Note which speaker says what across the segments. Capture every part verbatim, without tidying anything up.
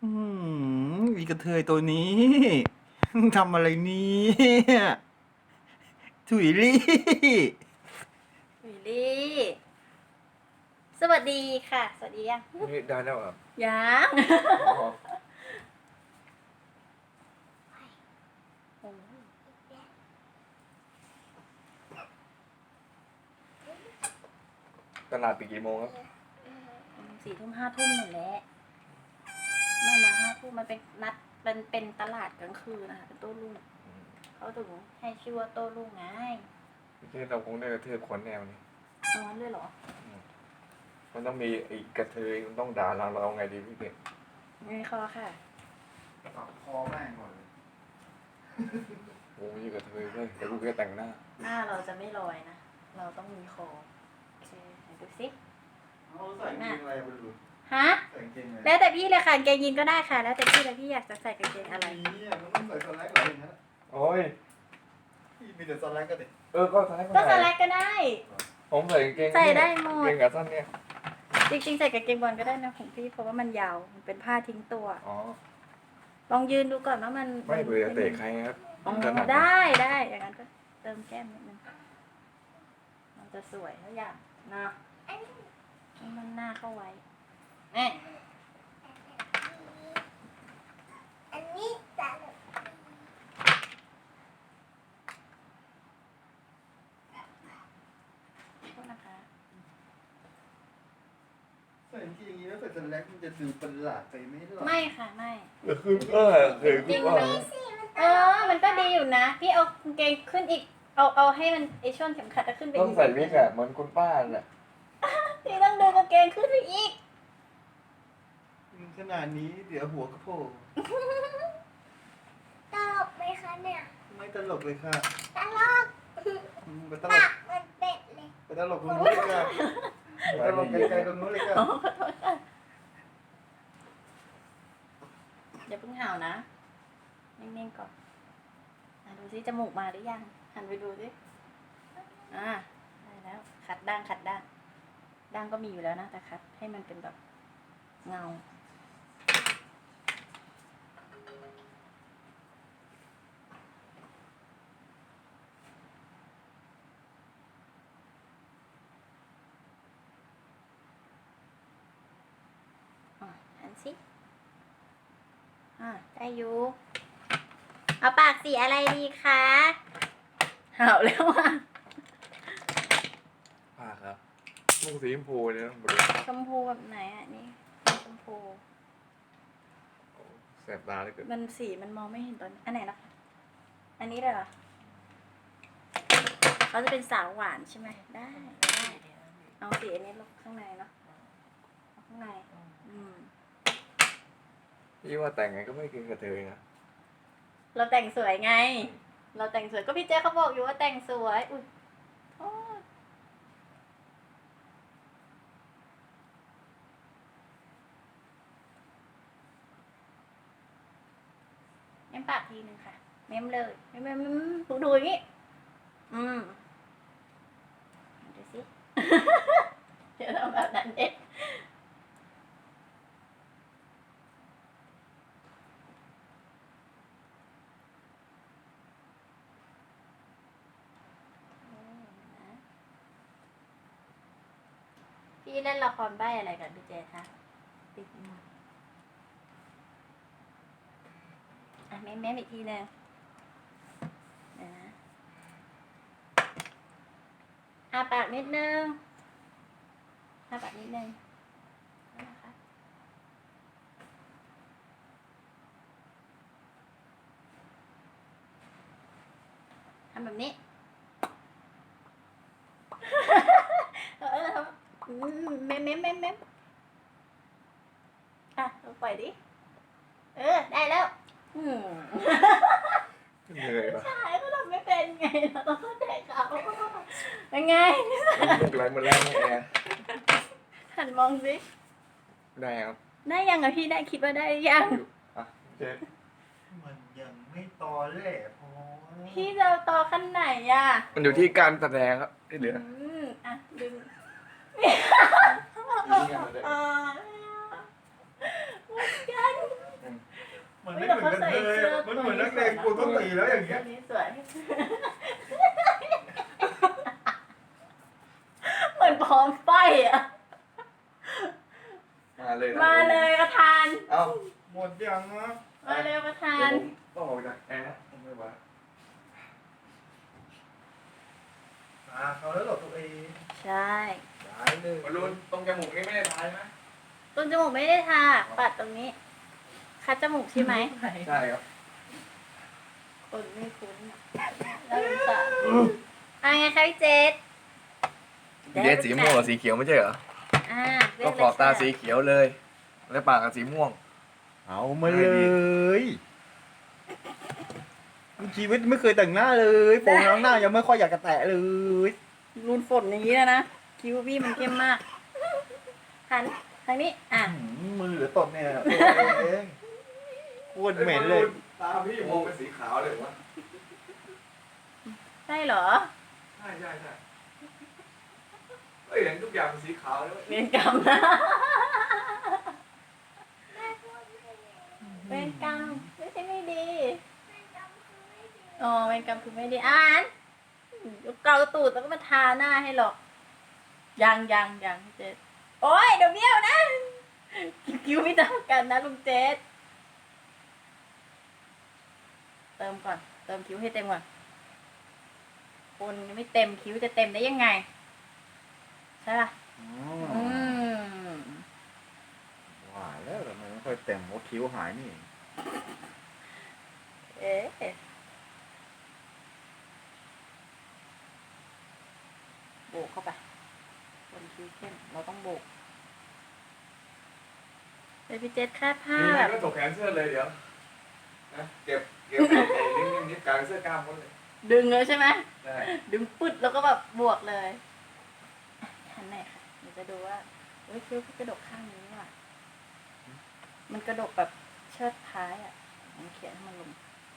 Speaker 1: อืมอีกระเทยตัวนี้ทำอะไรเนี่ยถุยลี่
Speaker 2: วิลลี่ สวัสดีค่ะ สวัสดียัง
Speaker 3: นี่ได้แล้วเหรอ
Speaker 2: ยัง
Speaker 3: อ๋อ
Speaker 2: โอ้ย
Speaker 3: ตลาดปิดกี่โมงครับ
Speaker 2: สี่ทุ่มห้าทุ่มหมดแล้วไม่มาห้าทุ่มมันเป็นนัดมันเป็นตลาดกลางคืนนะคะเป็นโต้รุ่งเขาถึงให้ชื่อว่าโต้รุ่งไง
Speaker 3: ที่เราคงได้กระเทือคนแนวนี้
Speaker 2: นอนด้วยเหรอ
Speaker 3: มันต้องมีไอ้กระเทยมันต้องด่าเราเราเอาไงดีพี่เก่ง
Speaker 2: ไม่คอค่ะ
Speaker 1: ตัดคอแม่งก่อนเลย
Speaker 3: โอ้ยกระเทยเว้ยเดี๋ยวกูจะแต่งหน้า
Speaker 2: หน้าเราจะไม่ลอยนะ เราต้องมีคอโอเคไหนดูสิ
Speaker 1: เอาใส่กางเกงอะไรไปดู
Speaker 2: ฮะ
Speaker 1: ใส่กางเกงอะไร
Speaker 2: แล้วแต่พี่เลยค่ะกางเกงยีนก็ได้ค่ะ แล้วแต่พี่เลยพี่อยากจะใส่กางเกงอะไร
Speaker 1: นี่มันต้องใส่สแลกเหรออย่างนั้นอะ
Speaker 3: โอ้ย
Speaker 1: พี่มีแต่สแลกก็เด็ก
Speaker 3: เออก็ใส่
Speaker 2: ก็สแลกก็ได้
Speaker 3: ผมใส่กางเกง
Speaker 2: ใส่ได้หมด
Speaker 3: กางเกงขาสั้นเนี่ย
Speaker 2: จริงๆใส่กางเกงบอลก็ได้นะของพี่เพราะว่ามันยาวมันเป็นผ้าทิ้งตัว
Speaker 3: อ๋อ
Speaker 2: ลองยืนดูก่อนว่ามัน
Speaker 3: ไม่เบื่อเตะใครครับ
Speaker 2: อ๋อ
Speaker 3: ถนัด
Speaker 2: ได้ได้อย่างนั้นก็เติมแก้มนิดนึงมันจะสวยทุกอย่างนะให้มันหน้าเข้าไว้นี่
Speaker 4: อันนี้จะ
Speaker 2: โทษนะคะ
Speaker 1: ใส่กางเกงอย่างนี้แล้วใส่สแลกมันจะดูประหลาดไปไหมล่ะ
Speaker 2: ไม่ค่ะไม่
Speaker 3: เออคือเออเคย
Speaker 2: จริ
Speaker 3: คิ
Speaker 2: ง
Speaker 3: ดว่า
Speaker 2: ไหมเออมันก็ดีอยู่นะ พี่เอากางเกงขึ้นอีก เอาเอาให้มันไอช่วงเข็มขัดจะขึ้นไป
Speaker 3: ต้องใส่วิกอะเหมือนคุณป้าน่ะ
Speaker 2: พี่ต้องดูกางเกงขึ้นไปอีก
Speaker 1: ขนาดนี้เดี๋ยวหัวกระโผล่
Speaker 4: ตลกไหมคะเนี่ย
Speaker 1: ไม่ตลกเลยค่ะ
Speaker 4: ตลก
Speaker 1: อืมไปตล
Speaker 4: ปาก กเหมือนเป็ดเลย
Speaker 1: ไปตลกตรงนู้นเลยค่ะไปตลกไกลๆตรงนู้นเลยค่ะ
Speaker 2: อ๋อขอโทษค่ะอย่าเพิ่งเห่านะนิ่งๆก่อนอ่ะดูสิจมูกมาหรือยัง หันไปดูสิอ่าได้แล้วขัดด่างขัดด่างด่างก็มีอยู่แล้วนะแต่ขัดให้มันเป็นแบบเงาอ่ะหันสิอ่าได้อยู่เอาปากสีอะไรดีคะเห่าแล้วอ่ะ
Speaker 3: ป้าครับลูกสีชมพูเนี่ยต้องบริ
Speaker 2: ชมพูแบบไหนอ่ะนี่ชมพู
Speaker 3: แสบตาเลยเกิด
Speaker 2: มันสีมันมองไม่เห็นตอนอันไหนนะคะอันนี้เลยเหรอเขาจะเป็นสาวหวานใช่ไหมได้ได้เอาสีอันนี้ลงข้างในเนาะเอาข้างในอืม
Speaker 3: พี่ว่าแต่งไงก็ไม่เกินกระเทยนะ
Speaker 2: เราแต่งสวยไง เราแต่งสวยก็พี่เจ๊เขาบอกอยู่ว่าแต่งสวยอุ้ยโทษเม้มปากทีนึงค่ะ เม้มเลยเม้มเม้มเม้มดูดูอย่างนี้ อืมดูสิ เดี๋ยวเราแบบนั้นเด็ดพี่เล่นละครใบ้อะไรกันพี่เจคะติดมืออ่ะเม้มเม้มอีกทีหนึงเดี๋ยวนะอาปากนิดนึงอาปากนิดนึงนะคะทำแบบนี้ เอออืมเม้มเม้มเม้มเม้มอ่ะลองปล่อยดิ เออ ได้แล้ว อืม
Speaker 3: เหนื่อยปะ
Speaker 2: ใช่ก็ทำไม่เป็นไง เราต้องเข้าใจเขาเป็นไง
Speaker 3: ลูกไหลมาแล้วนี่แอร์
Speaker 2: หันมองสิ
Speaker 3: ได้ครับ
Speaker 2: ได้ยังอะพี่ได้คิดว่าได้ยัง
Speaker 3: อ่ะเจ๊
Speaker 1: มันยังไม่ตอแหลพอ
Speaker 2: พี่จะเอาต่อขั้นไหนอะ
Speaker 3: มันอยู่ที่การแสดงครับที่เหลือ
Speaker 2: อืมอ่ะดึง
Speaker 3: อยู่ที่การแสดง
Speaker 2: อ่าหมดกัน
Speaker 1: มันไม่เหมือนกันเลยอะมันเหมือนนักเลงกูต้องตีแล้วอย่างเงี้ย
Speaker 2: ตัวนี้สวย เหมือนพร้อมไฟอ่ะ
Speaker 3: มาเลยนะ
Speaker 2: มาเลยประธาน
Speaker 3: เอ้า
Speaker 1: หมดยังนะ
Speaker 2: มาเลยประธา
Speaker 3: เดี๋ยวน ผมต้องออกจากแอร์ผมไม่ไหว
Speaker 1: ตาเขาแล้วเหรอตัวเอง
Speaker 2: ใช่
Speaker 1: ได้เลย
Speaker 3: บอลลูนตรงจมูกนี่ไม่ได้ทายนะ
Speaker 2: ต้นจมูกไม่ได้ทา ปัดตรงนี้ คัดจมูกใช่ไหม
Speaker 3: ใช่ครับ
Speaker 2: คนไม่คุ้นแล้วเป็นสาวอ่ะไงคะพี่เจษ
Speaker 3: เดสีม่วงกับสีเขียวไม่ใช่เหรอ
Speaker 2: อ่าเรีย
Speaker 3: ก็
Speaker 2: ก
Speaker 3: ขอบตาสีเขียวเลย แล้วปากกับสีม่วง
Speaker 1: เอามาเลยชีวิตไม่เคยแต่งหน้าเลยโปรงล้างหน้ายังไม่ค่อยอยากจะแตะเลย
Speaker 2: รูนฝนอย่างนี้แล้วนะ คิ้วพี่มันเข้มมากหันทางนี้ อ่ะ
Speaker 1: หืมมือเหลือตดเนี่ยตัวเองโคตรเหม็นเลย
Speaker 3: ตาพี่มองเป็นสีขาวเลยวะ
Speaker 2: ใช่เหรอ
Speaker 3: ใช่ใช่ใช่เฮ้ยเห็นทุกอย่างเป็นสีขาวเลยเว้ย
Speaker 2: เวรกรรมนะเวรกรรมไม่ใช่ไม่ดีอ๋อเวรกรรมคือไม่ดีอ่านเกาตูดแล้วก็มาทาหน้าให้หรอกยังยังยังพี่เจษโอ้ยเดี๋ยวเบี้ยวนะคิ้วไม่เท่ากันนะลุงเจษเติมก่อน เติมคิ้วให้เต็มก่อนคนยังไม่เต็มคิ้วจะเต็มได้ยังไงใช่ป่ะ
Speaker 1: อ๋อ
Speaker 2: อืม
Speaker 1: ว่าแล้วทำไมไม่ค่อยแต่งเพราะคิ้วหายนี่
Speaker 2: เอ๊ะโบกเข้าไปคนคิ้วเข้มเราต้องโบกเดี๋ยวพี่เจษคาดผ้า
Speaker 3: นี่
Speaker 2: แบบ
Speaker 3: ก็ตกแขนเสื้อเลยเดี๋ยวนะเก็บเก็บไอ้ไอ้นิ่มๆนิดกลางเสื้อกล้ามหมดเลย
Speaker 2: ดึงเลยใช่ไหม
Speaker 3: ได้
Speaker 2: ดึงปึ๊ดแล้วก็แบบบวกเลยหันไหนค่ะเดี๋ยวจะดูว่าเฮ้ยคิ้วกระดกข้างนี้ว่ะมันกระดกแบบเชิดท้ายอ่ะมันเขียนให้มันลง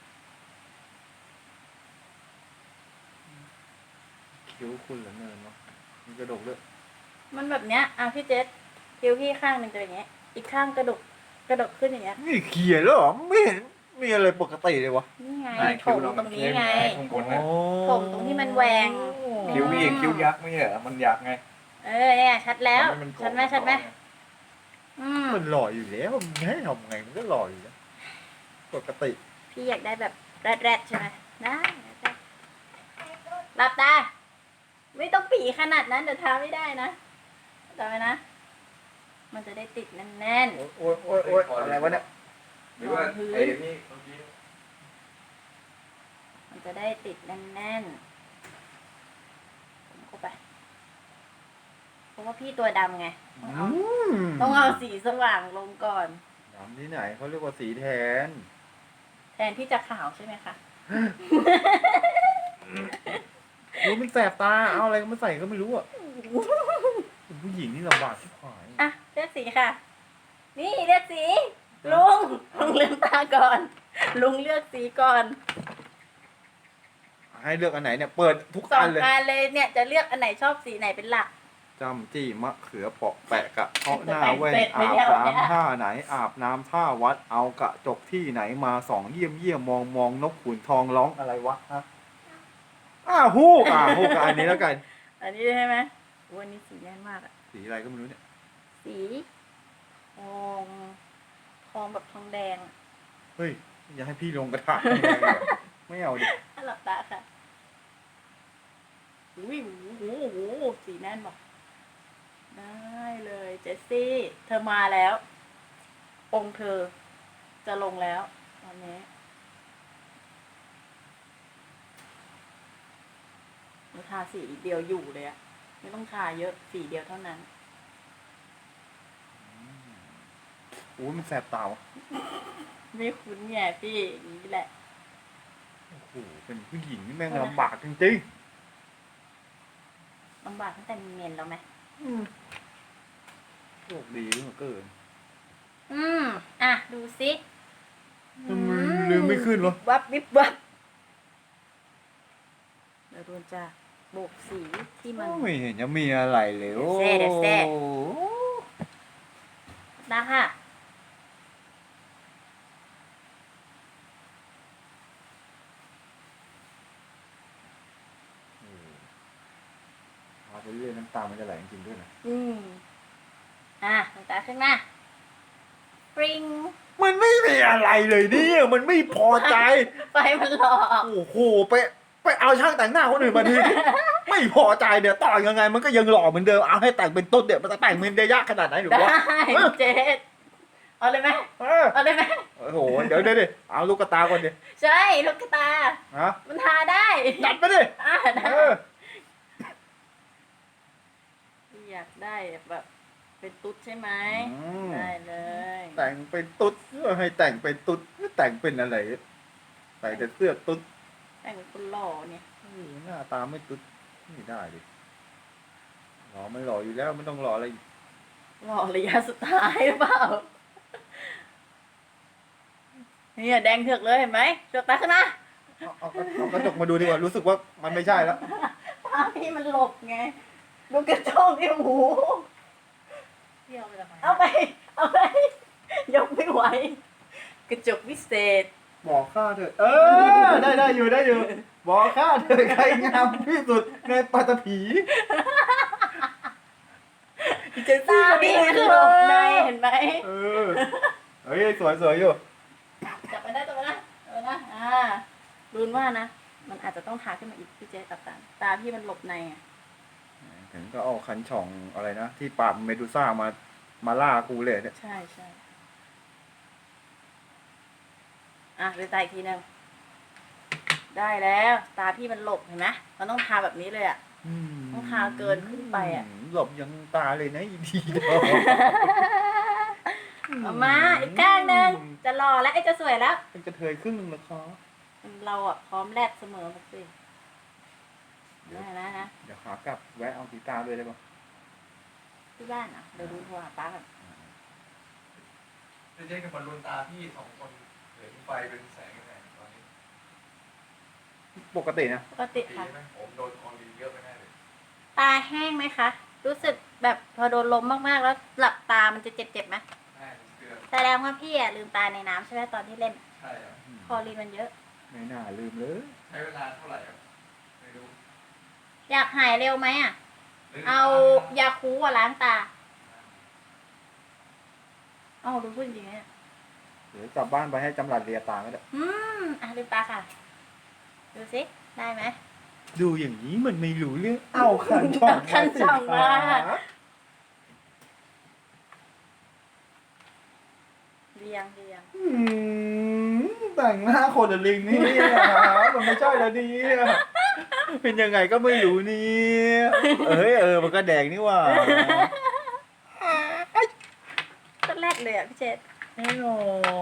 Speaker 1: คิ้วคุณเหลือเนินเนาะมีกระดกด้วย
Speaker 2: มันแบบเนี้ยอ่ะพี่เจษคิ้วพี่ข้างหนึ่งจะอย่างเงี้ย อีกข้างกระดกกระดกขึ้นอย่างเงี้ย
Speaker 1: นี่เขียนแล้วเหรอไม่เห็นมีอะไรปกติเลยวะ
Speaker 2: นี่ไง
Speaker 3: ได้
Speaker 2: ถ
Speaker 3: คิ้ว
Speaker 2: ม
Speaker 3: เรา
Speaker 2: ตรงนี้ไง
Speaker 3: ข้างบนนะ
Speaker 2: ถมตรงที่มันแหวง
Speaker 3: คิ้วพี่คิ้วยักษ์ไม่ใช่เหรอมันยักษ์ไง
Speaker 2: เออเนี่ยชัดแล้ว
Speaker 3: ทำให้นโก่ง
Speaker 2: ชัดไหมชัดไหมอืม
Speaker 1: มันหล่ออยู่แล้วมันให้ทำไงมันก็หล่ออยู่แล้วปกติ
Speaker 2: พี่อยากได้แบบแรดๆใช่ไหมได้ได้หลับตา ไม่ต้องปีขนาดนั้นเดี๋ยวทาไม่ได้นะจำไว้นะ มันจะได้ติดแน่น
Speaker 1: โอ้ยโอ้ยโอ้ยโอ้ยอะไรวะเนี่ย
Speaker 3: หรือว่าไอ้นี่เมื่อกี้
Speaker 2: ๆ มันจะได้ติดแน่นๆผมเข้าไป เพราะว่าพี่ตัวดำไง ต้องเอา
Speaker 1: ม
Speaker 2: ต้องเอาสีสว่างลงก่อน
Speaker 1: ดำที่ไหนเขาเรียกว่าสีแทน
Speaker 2: แทนที่จะขาวใช่ไหมคะ
Speaker 1: รู้มันแสบตาเอาอะไรมาใส่ก็ไม่รู้อ่ะเป็นผู้หญิงนี่ลำบากที่ผาย
Speaker 2: อ่ะเลือกสีค่ะ นี่เลือกสี ลุงลุงลืมตาก่อน ลุงเลือกสีก่อน
Speaker 1: ให้เลือกอันไหนเนี่ยเปิดทุก
Speaker 2: สอ
Speaker 1: อั
Speaker 2: ง
Speaker 1: นเลย
Speaker 2: อันเลยเนี่ยจะเลือกอันไหนชอบสีไหนเป็นหลัก
Speaker 1: จำจี้มะเขือเปาะแปะกะเพาะหน้าแว่น
Speaker 2: เสร็จไป
Speaker 1: อาบ
Speaker 2: แล้วเนี่ย
Speaker 1: น้ำท่าไหน อาบน้ำท่าวัดเอากระจกที่ไหนมาสองเยี่ยมเยี่ยมมองมองนกขุนทองร้องอะไรวะฮะอ้าฮูกอ่าฮูกกับอันนี้แล้วกัน
Speaker 2: อันนี้ใช่ไหมวันนี้สีแน่นมากอะ
Speaker 1: สีอะไรก็ไม่รู้เนี่ย
Speaker 2: สีทองทองแบบทองแดงอะ
Speaker 1: เฮ้ยอย่าให้พี่ลงกระถางแดงเลยไม่เอาดิ
Speaker 2: อ่ะหลับตาค่ะอุ้ยโอ้โหโอ้โหสีแน่นบอกได้เลยเจสซี่ เธอมาแล้ว องค์เธอจะลงแล้วตอนนี้เราทาสีเดียวอยู่เลยอะไม่ต้องทาเยอะสีเดียวเท่านั้น
Speaker 1: โอ้ยมันแสบตาวะ
Speaker 2: ไม่คุ้นไงพี่อย่างนี้แหละ
Speaker 1: โอ้โหเป็นผู้หญิงนี่แม่งลำบากจริง
Speaker 2: ลำบากตั้งแต่มีเมนแล้วไหม
Speaker 1: ๆอืมโชคดีเหลือเกิน
Speaker 2: อืม อ่ะ ดูสิ
Speaker 1: ทำไมลืมไม่ขึ้นวะ
Speaker 2: วับวิบวับเดี๋ยวโดนจะโบกสีที่มัน
Speaker 1: ไม่เห็นจะมีอะไรเลยโอ้
Speaker 2: เดี๋ยวแซ่เดี๋ยวแซ่ นะค่ะ
Speaker 1: ำตามันจะไหลจริงๆด้วยนะ
Speaker 2: อืมอ่ะลืมตาขึ้นมาปริง
Speaker 1: มันไม่มีอะไรเลยเนี่ยมันไม่พอใจ
Speaker 2: ไฟมันหลอก
Speaker 1: โอ้โหไปไปเอาช่างแต่งหน้าคนอื่นมาที ไม่พอใจเดี๋ยวต่อยังไงมันก็ยังหล่อเหมือนเดิมเอาให้แต่งเป็นต้นเดี๋ยวมันจะแต่งมันจะยากขนาดไหนหรือ
Speaker 2: ได้
Speaker 1: วะ
Speaker 2: เจ๊เอาเลยไหม
Speaker 1: เออ
Speaker 2: เอาเลยไหม
Speaker 1: โอ้โหเดี๋ยวเดี๋ยวดิเอาลูกกระตาก่อนดิ
Speaker 2: ใช่ลูกกระตา
Speaker 1: ฮะ
Speaker 2: มันทาได้
Speaker 1: จัดไปดิ
Speaker 2: อ่าได้
Speaker 1: เออ
Speaker 2: อยากได้แบบเป็นตุ๊ดใช่ไหม
Speaker 1: อืม
Speaker 2: ได้เลย
Speaker 1: แต่งเป็นตุ๊ดเพื่อให้แต่งเป็นตุ๊ดแต่งเป็นอะไรใส่แต่เสื้อตุ๊ด
Speaker 2: แต่งเป็นคนหล่อเนี่ย
Speaker 1: เออหน้าตาไม่ตุ๊ดไม่ได้ดิหล่อไม่หล่ออยู่แล้วไม่ต้องหล่ออะไรอีก
Speaker 2: หล่อระยะสุดท้ายหรือเปล่าเนี่ยแดงเถือกเลยเห็นไหมเถือกตาขึ้นมา
Speaker 1: เอาเอาเอากระจกมาดูดีกว่ารู้สึกว่ามันไม่ใช่แล้ว
Speaker 2: ตาพี่มันหลบไงดูกระจกที่หู
Speaker 5: เที่ยวไปทำไม
Speaker 2: เอาไป เอาไป ยกไม่ไหว กระจกวิเศษ
Speaker 1: บอกข้าเถอะเออได้ได้อยู่ได้อยู่บอกข้าเถอะใครงามที่สุดในปัตตภี
Speaker 2: จะตาพี่มันหลบในเห็นไหม
Speaker 1: เออเฮ้ยสวยสวยอยู่
Speaker 2: จับไปได้จับไปได้จับไปได้อ่ารุนว่านะ มันอาจจะต้องทาขึ้นมาอีกพี่เจ๊ตับตาตาพี่มันหลบในอ่ะ
Speaker 1: ถึงก็เอาคันช่องอะไรนะที่ปราบเมดูซ่ามามาล่ากูเลยเนี่ย
Speaker 2: ใช่ใช่อ่ะดูตาอีกทีหนึงได้แล้ว ตาพี่มันหลบเห็นไหมมันต้องทาแบบนี้เลยอ่ะ ต้องทาเกินขึ้นไปอะ
Speaker 1: หลบยังตาเลยนะอีทีเดียว
Speaker 2: เอามาอีกข้างหนึ่งจะรอแล้วไอ้จะสวยแล้ว
Speaker 1: เป็นกระเทยครึ่งหนึงแล้วครับ
Speaker 2: เราอ่ะพร้อมแลกเสมอหมดสิได้นะนะ
Speaker 1: เดี๋ยวขากลับแวะเอากีตาร์ด้วยได้ปะ
Speaker 2: ที่บ้านอ่ะเดี๋ยวดูโทรหาป้าก่อน
Speaker 3: จะเจ๊กับบอลลูนตาพี่สองคนเหลืองไฟเป็นแสงยังไงตอนนี้
Speaker 1: ปกตินะ
Speaker 2: ปกติ
Speaker 3: ดี
Speaker 2: ค่ะ
Speaker 3: ไหมผมโดนคอรีเยอะไปแน่เลย
Speaker 2: ตาแห้งไหมคะ รู้สึกแบบพอโดนลมมากๆแล้วหลับตามันจะเจ็บๆไหม
Speaker 3: แน่เชื่อ
Speaker 2: แสดงว่าพี่อ่ะลืมตาในน้ำใช่ไหมตอนที่เล่น
Speaker 3: ใช่ครับ
Speaker 2: คอรีนมันเยอะ
Speaker 1: ไม่น่าลืมเลย
Speaker 3: ใช้เวลาเท่าไหร่ครับไม่รู้
Speaker 2: อยากหายเร็วไหมอ่ะ
Speaker 3: หรื
Speaker 2: เอายาคูอ่ะล้างตาเอาดูพูดจริงๆเนี่ย
Speaker 1: เดี๋ยวกลับบ้านไปให้จำหลัดเรียตาก็ได้
Speaker 2: อืมอ่ะลืมตาค่ะ ดูสิได้ไหม
Speaker 1: ดูอย่างนี้มันไม่รู้เรื่องเอาคันช่อง
Speaker 2: คันช่องมา
Speaker 1: สิคะ
Speaker 2: เรียงเรียง
Speaker 1: อืมแต่งหน้าคนละลิงนี่มันไม่ใช่แล้วเนี่ยเป็นยังไงก็ไม่รู้เนี่ยเอ้ยเออมันก็แดงนี่หว่า
Speaker 2: ก็แรกเลยอ่ะพี่เจษ
Speaker 1: แน่นอน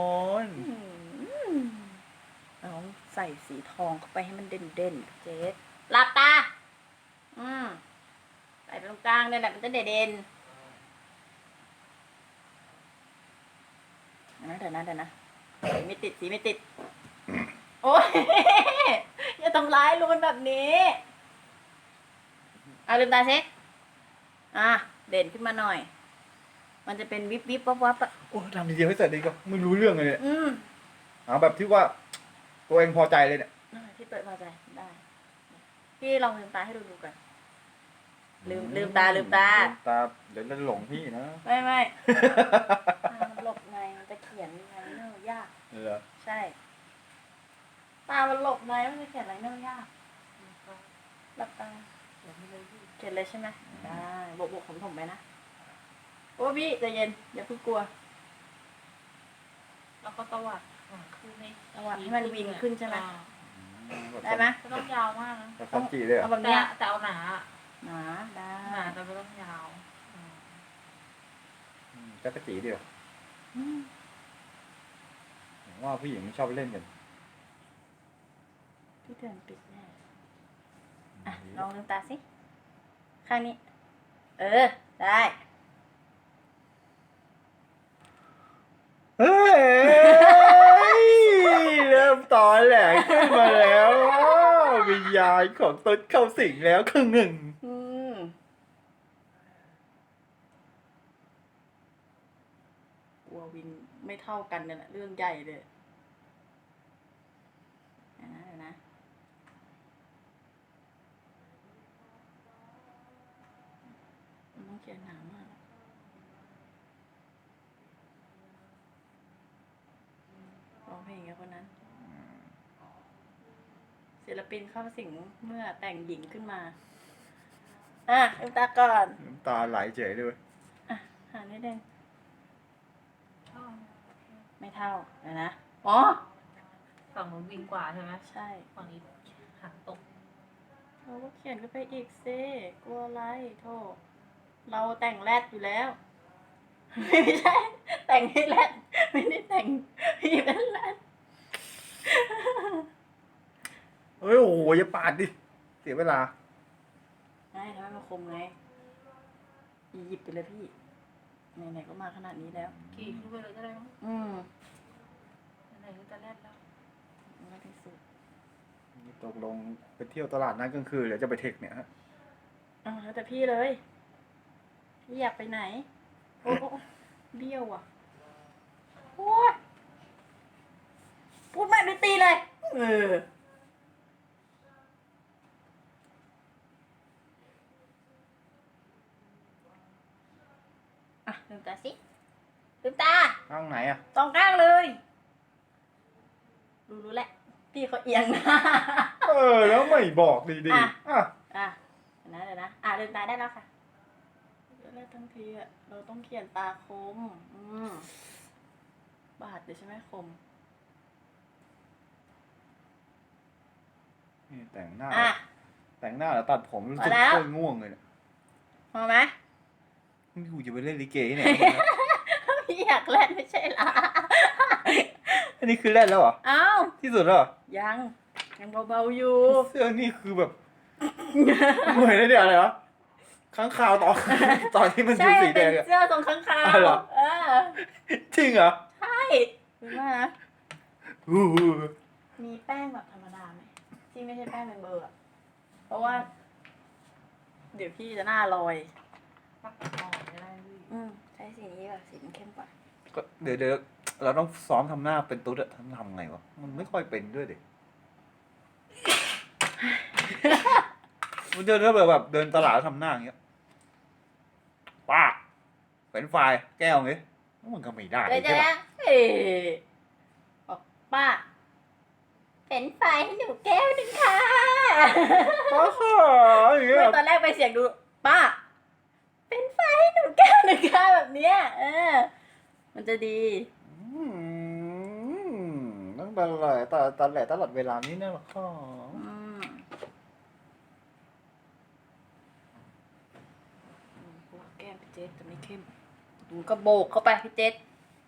Speaker 2: เอาใส่สีทองเข้าไปให้มันเด่นเด่นๆเจษหลับตา อืมใส่ไปตรงกลางเนี่ยแหละมันจะเด่นเด่นๆนะเดี๋ยวนะเดี๋ยวนะสีไม่ติดสีไม่ติด โอ้ย อย่าทำร้ายรูนแบบนี้อ่ะลืมตาเช็คอ่ะเด่นขึ้นมาหน่อย มันจะเป็นวิบวิบวับวับอ่ะ
Speaker 1: โอ้ทำทีเดียวให้เสร็จดีก็ไม่รู้เรื่องเลยเนี่ย
Speaker 2: อืม
Speaker 1: เอาแบบที่ว่า ตัวเองพอใจเลยเนี่ย
Speaker 2: อ่ะที่เปิดพอใจได้ พี่ลองลืมตาให้ดูดูก่อน ลืมลืมตาลืมตา
Speaker 1: ลืมตาเดี๋ยวจะหลงพี่นะ
Speaker 2: ไม่ไม่ ตามันหลบในมันจะเขียนไลเนอร์ยาก
Speaker 1: เหรอ
Speaker 2: ใช่ ตามันหลบในมันจะเขียนไลเนอร์ยากหลับตาเขียนเลยใช่ไหมได้บวกบวกผมผมไปนะโอ้พี่ใจเย็นอย่าเพิ่งกลัว
Speaker 5: แล้วก็ตวัดอ่าคือใน
Speaker 2: ตวัดให้มันวิงขึ้นใช่ไหม
Speaker 5: อ่า
Speaker 2: ได้ไหม
Speaker 5: ไม่ต้องยาวมากนะ
Speaker 1: แบบซันจิเลยเหร
Speaker 2: เอา
Speaker 1: อ
Speaker 2: แบบ
Speaker 5: แต่
Speaker 2: เนี้ย
Speaker 5: แต่เอาหนา
Speaker 2: หนาได้
Speaker 5: หนาแต่ไม่ต้องยาวอืม
Speaker 1: อืมจักรจีเดียว
Speaker 2: อืม
Speaker 1: ผมว่าผู้หญิงชอบเล่นกัน
Speaker 2: พี่เตือนปิดแน่อ่ะลองลืมตาสิ ข้างนี้ เออ ได้
Speaker 1: เฮ้ย เริ่มตอนแหลกขึ้นมาแล้ววิญญาณของตนเข้าสิงแล้วครึ่งหนึ่ง
Speaker 2: อืมกลัววินไม่เท่ากันเนี่ยแหละเรื่องใหญ่เลยเดี๋ยวนะเดี๋ยวนะเขียนหนามากร้องเพลงกับคนนั้น ศิลปินเข้าสิงเมื่อแต่งหญิงขึ้นมา อ่ะลืมตาก่อน
Speaker 1: น้ำตาไหลเฉยด้วย
Speaker 2: อ่ะหานิดนึง
Speaker 5: ชอบ
Speaker 2: ไม่เท่าเดี๋ยวนะ อ๋อ
Speaker 5: ฝั่งนู้นวิ่งกว่าใช่ไหม
Speaker 2: ใช่
Speaker 5: ฝั่งนี้หางตก
Speaker 2: เราก็เขียนก็ไปอีกซิกลัวอะไรโทษเราแต่งแรดอยู่แล้ว ไม่ใช่ แต่งให้แรดไม่ได้แต่งพี่เป็นแรด
Speaker 1: เฮ้ยโอ้โหอย่าปาดดิ เสียเวลา
Speaker 2: ไม่ทำไมมันคมไงหยิบไปเลยพี่ไหนๆก็มาขนาดนี้แล้ว
Speaker 5: ขี่ขึ้นไปเลยก็ได้มั้ง
Speaker 2: อืม
Speaker 5: ไหนๆก็จะแลดแล้ว
Speaker 2: ไม่ที่สุด
Speaker 1: ตกลงไปเที่ยวตลาดนัดกลางคืนหรือจะไปเทคเนี่ยฮะ
Speaker 2: อ๋อแล้วแต่พี่เลย พี่อยากไปไหน โอ้โอ้เบี้ยวอ่ะโอ้ยพูดไม่ไปตีเลย เออ อ่ะลืมตาสิลืมตา
Speaker 1: ข้างไหนอ่ะ
Speaker 2: สองข้างเลย รู้รู้แหละ พี่เขาเอียงหนะ
Speaker 1: เออ แล้วไม่บอกดี
Speaker 2: อ่ะ
Speaker 1: ๆอ่ะ
Speaker 2: อ่ะเดี๋ยวนะเดี๋ยวนะ อ่ะลืมตาได้แล้วค่ะเดี๋ยวแรกทั้งทีอ่ะ เราต้องเขียนตาคม อืมบาดเลยใช่ไหมคม
Speaker 1: นี่แต่งหน้า
Speaker 2: อ่ะ
Speaker 1: แต่งหน้าแล้วตัดผมรู้สึก
Speaker 2: เอาแล้ว
Speaker 1: โคตรง่วงเลยเนี่ย
Speaker 2: พอไหม
Speaker 1: นี่กูจะไปเล่นลิเกที่ไหน
Speaker 2: พี่อยากเล่นไม่ใช่เหรอ
Speaker 1: อันนี้คือเล่นแล้วเหรอ
Speaker 2: เอ้า
Speaker 1: ที่สุดแล้วเหรอ
Speaker 2: ยัง ยังเบาๆอยู่
Speaker 1: เสื้อนี่คือแบบ เหมือนไอ้เดี๋ยวอะไรวะค้างคาวตอน ตอนที่มันอ
Speaker 2: ใช่
Speaker 1: ยู่สีแด
Speaker 2: เป็น
Speaker 1: งอะ
Speaker 2: เสื้อทรงข้างคา
Speaker 1: อ๋อเหรอ
Speaker 2: เออ
Speaker 1: จริงเหรอ
Speaker 2: ใช่รู้ไหมนะ
Speaker 1: อู้หู
Speaker 2: มีแป้งแบบธรรมดาไหมที่ไม่ใช่แป้งเป็นเบอร์อะเพราะว่า เดี๋ยวพี่จะหน้าลอย
Speaker 5: ปักหม้อไม่ได้พี่
Speaker 2: อืมใช้สีนี้แบบสีมันเข้มกว่า
Speaker 1: ก็เดี๋ยวเดี๋ยวเราต้องซ้อมทำหน้าเป็นตุ๊ดอะทำทำไงวะ มันไม่ค่อยเป็นด้วยเด็ก มันเดินถ้าแบบเดินตลาดทำหน้าอย่างเงี้ยป้าเป็นไฟล์แก้วงี้มันก็ไม่ได้
Speaker 2: เลยจะ
Speaker 1: ใช่ปะ
Speaker 2: นะเอ๊ะบอกป้าเป็นไฟให้หนูแก้วหนึ่งค่ะ
Speaker 1: ป้าค่ะอย่างเงี้ย
Speaker 2: ไม่ตอนแรกไปเสียงดู ป้า เป็นไฟให้หนูแก้วหนึ่งค่ะแบบเนี้ย เออ มันจะดี
Speaker 1: อืมตั้งแต่แหละแต่แต่แหละตลอดเวลานี้นะหรอค่ะ
Speaker 2: อืมอืมพวกแก้มพี่เจษจะไม่เข้มดูก็โบกเข้าไปพี่เจษ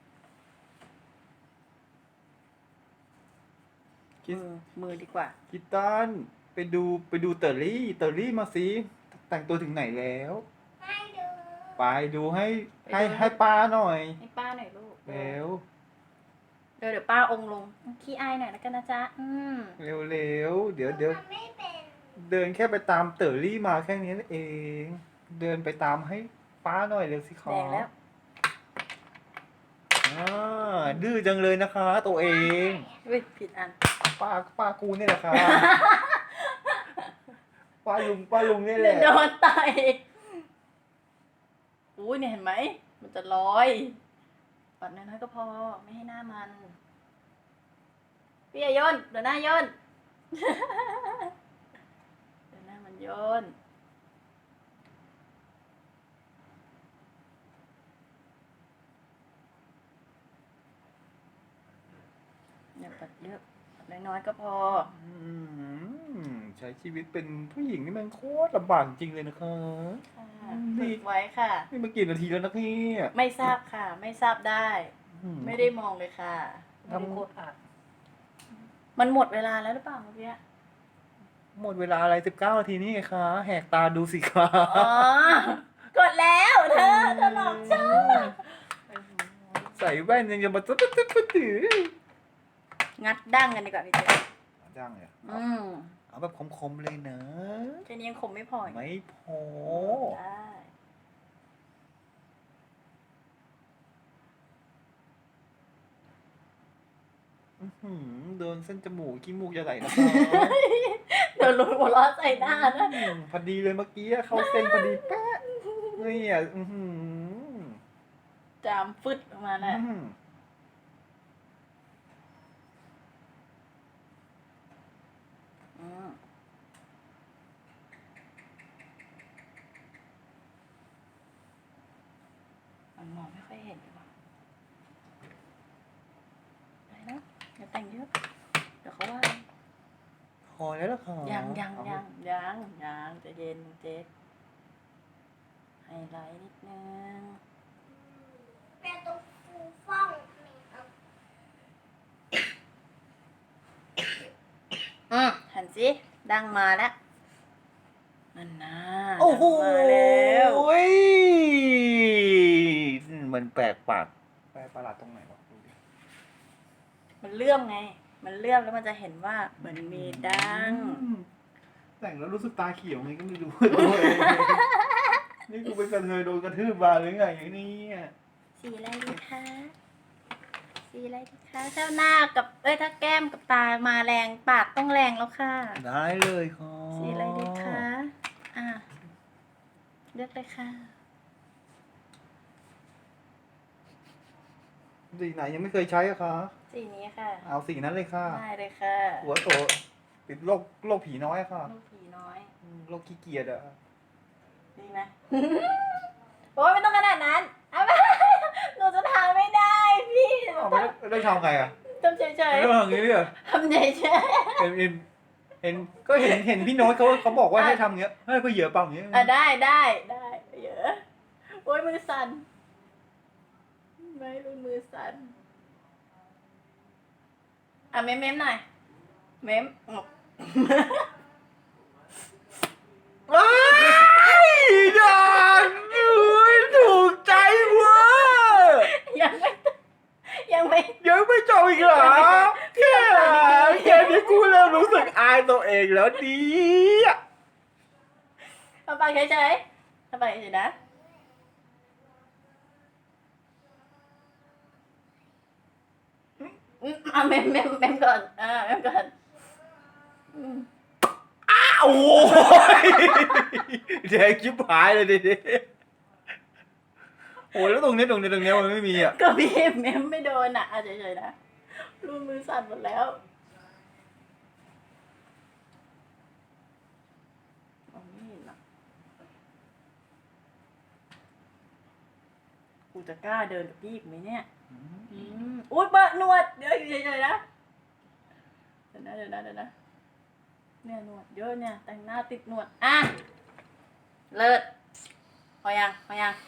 Speaker 1: คิด
Speaker 2: มือมือดีกว่า
Speaker 1: คิดตันไปดูไปดูเตอรี่เตอรี่มาสิแต่งตัวถึงไหนแล้ว
Speaker 4: ให้ดู
Speaker 1: ไปดูให้ให้
Speaker 2: ไปดู
Speaker 1: ให้ป้าหน่อย
Speaker 2: ให้ป้าหน่อยลูก
Speaker 1: เร็ว
Speaker 2: เดี๋ยวเดี๋ยวป้าองค์ลงขี้อายหน่อยแล้วกันนะจ๊ะ อืม
Speaker 1: เร็วเร็วเดี๋ยวเดี๋ยว
Speaker 4: ทำไม่เป็น
Speaker 1: เดินแค่ไปตามเตอรี่มาแค่นี้เอง เดินไปตามให้ป้าหน่อยเร็วสิค
Speaker 2: แด
Speaker 1: รั
Speaker 2: งแล้ว
Speaker 1: อ่าดื้อจังเลยนะคะ ตัวเอง
Speaker 2: เฮ้ยผิดอัน
Speaker 1: ป้าป้ากูนี่แหละค่ะ ป้าลุงป้าลุงนี่แห
Speaker 2: เดี๋ย
Speaker 1: ละ
Speaker 2: วโดนต่อยอุ้ยเนี่ยเห็นไหม มันจะลอยปัดน้อยๆก็พอ ไม่ให้หน้ามัน พี่อย่าโยนเดี๋ยวหน้าโยน เดี๋ยวหน้ามันโยน เนี่ยปัดเยอะปัดน้อยๆก็พอ
Speaker 1: อืมใช้ชีวิตเป็นผู้หญิงนี่มันโคตรลำบากจริงเลยนะคะ
Speaker 2: ค่ะ
Speaker 1: อืม
Speaker 2: ฝึกไว้ค่ะ
Speaker 1: นี่มากี่นาทีแล้วนะพี่
Speaker 2: ไม่ทราบค่ะ ไม่ทราบได้
Speaker 1: อืม
Speaker 2: ไม่ได้มองเลยค่ะ
Speaker 5: ไม่ได้กดอ่ะ
Speaker 2: มันหมดเวลาแล้วหรือเปล่าเมื่อกี้
Speaker 1: หมดเวลาอะไรสิบเก้านาทีนี่ไงคะ แหกตาดูสิคะ
Speaker 2: อ๋อ กดแล้วเธอเธอหลอกฉัน
Speaker 1: ใส่แว่นยังจะมาตุ๊ดตุ๊ดตุ๊ดตุ๊ดตุ๊ด
Speaker 2: งัดดั้งกันดีกว่าพี่เจ
Speaker 1: จ้างเลย
Speaker 2: อืม
Speaker 1: เอาแบบคมๆเลยนะ
Speaker 2: แค่นี้ยังคมไม่พออีก
Speaker 1: ไม่พอ
Speaker 2: ได้
Speaker 1: อื้อหือโดนเส้นจมูกขี้มูกจะไหลนะคะ
Speaker 2: เดี๋ยวลุ้นหัวเราะใส่หน้านะ
Speaker 1: อืมพอดีเลยเมื่อกี้เข้าเส้นพอดีแป๊ะนี่อ่ะอื้อหือ
Speaker 2: จามฟึดออกมาแหละ
Speaker 1: อืม
Speaker 2: อืมมันมองไม่ค่อยเห็นเลยว่ะไปแล้วอย่าแต่งเยอะ เดี๋ยวเขาว่า
Speaker 1: พอแล้วล่ะค่ะ
Speaker 2: ยังยัง
Speaker 1: เอา
Speaker 2: ยังยังยังใจะเย็นเจ๊ไฮไลท์นิดนึง
Speaker 4: แม่ต้องฟูฟ่องไม่เอา
Speaker 2: อืมหันสิดังมาแล้วนั่นนะ
Speaker 1: โอ้โห
Speaker 2: ดังมาแล้ว
Speaker 1: มันแปลกปากแปลกประหลาดตรงไหนวะดูดิ
Speaker 2: มันเลื่อมไง มันเลื่อมแล้วมันจะเห็นว่าเหมือนมีดัง
Speaker 1: อืมแต่งแล้วรู้สึกตาเขียวไงก็ไม่รู้ ตัวเองนี่กูเป็นกระเทยโดนกระทืบมาหรือไงอย่างนี้อ่ะ
Speaker 2: สีอะไรดีคะ สีอะไรดีคะถ้าหน้ากับ เอ้ยถ้าแก้มกับตามาแรงปากต้องแรงแล้วค่ะ
Speaker 1: ได้เลยค่ะ
Speaker 2: สีอะไรดีคะ อ่ะ เลือกเลยค่ะ
Speaker 1: สีไหนยังไม่เคยใช้อะคะ
Speaker 2: สีนี้ค่ะ
Speaker 1: เอาสีนั้นเลยค่ะ
Speaker 2: ได้เลยค่ะ
Speaker 1: หัวโตติดโรคโรคผีน้อยอะค่ะ
Speaker 2: ลูกผีน้อย
Speaker 1: อืมโรคขี้เกียจอะ
Speaker 2: ดีไหม โอ้ยไม่ต้องขนาดนั้นเอาไป หนูจะทำไม่ได้พี่
Speaker 1: เอาไม่ได้ไม่ได้ทำไงอะ
Speaker 2: ทำเฉย
Speaker 1: ไม่ได้ทำอย่างนี้เลยเหรอ
Speaker 2: ๆทำเฉย
Speaker 1: เห็นเห็นเห็นก็เห็นเห็นพี่โน้ตเขาเขาบอกว่าให้ทำอย่างเงี้ยให้ก็เหยอะเปล่าอย่างเงี้ย
Speaker 2: ๆอ่ะได้ได้ได้เยอะโอ้ยมือสั่นไม่รู้มือสั่นอ่ะเม้มเม้มหน่อย เม้มงบ
Speaker 1: ว้ายดังอุ้ยถูกใจเว้ย
Speaker 2: ยังไม่ยังไม่
Speaker 1: ยังไม่จบอีกเหรอแค่แค่นี้กูเริ่มรู้สึกอายตัวเองแล้วดีอะ
Speaker 2: ทำปากเฉยๆทำปากเฉยๆนะอืมอ่ะเม้มเม้มเม้มก่อนอ่าเม้มก่อนอืม
Speaker 1: อ้าวโอ้ยแดงชิบหายเลยดิโอ้ยแล้วตรงนี้ตรงนี้ตรงนี้มันไม่มีอ่ะ
Speaker 2: ก็พี่เม้มไม่โดนอ่ะอ่ะเฉยๆนะรูมือสั่นหมดแล้วมองไม่เห็นอ่ะกูจะกล้าเดินกับพี่อีกไหมเนี่ย อืมอุ้ยเบอะหนวด เดี๋ยวอยู่เฉยๆนะ เดี๋ยวนะเดี๋ยวนะเดี๋ยวนะ เนี่ยหนวดเยอะเนี่ย แต่งหน้าติดหนวด อ่ะ เลิศพอยังพอยัง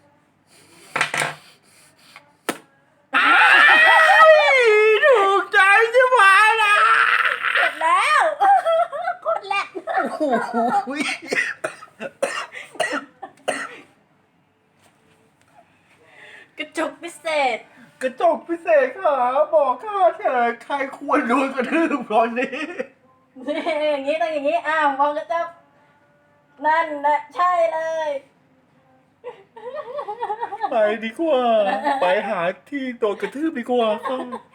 Speaker 1: ถูกใจชิบหายละ
Speaker 2: เสร็จแล้วโคตรแหลก
Speaker 1: โอ้โห
Speaker 2: กระจกพิเศษ
Speaker 1: กระจกพิเศษค่ะบอกข้าเถอะใครควรโดนกระทืบตอนนี้
Speaker 2: นี่อย่างนี้ต้องอย่างนี้ อ้าวพอกระจกนั่นแหละใช่เลย
Speaker 1: ไปดีกว่า ไปหาที่โดนกระทืบดีกว่าค่ะ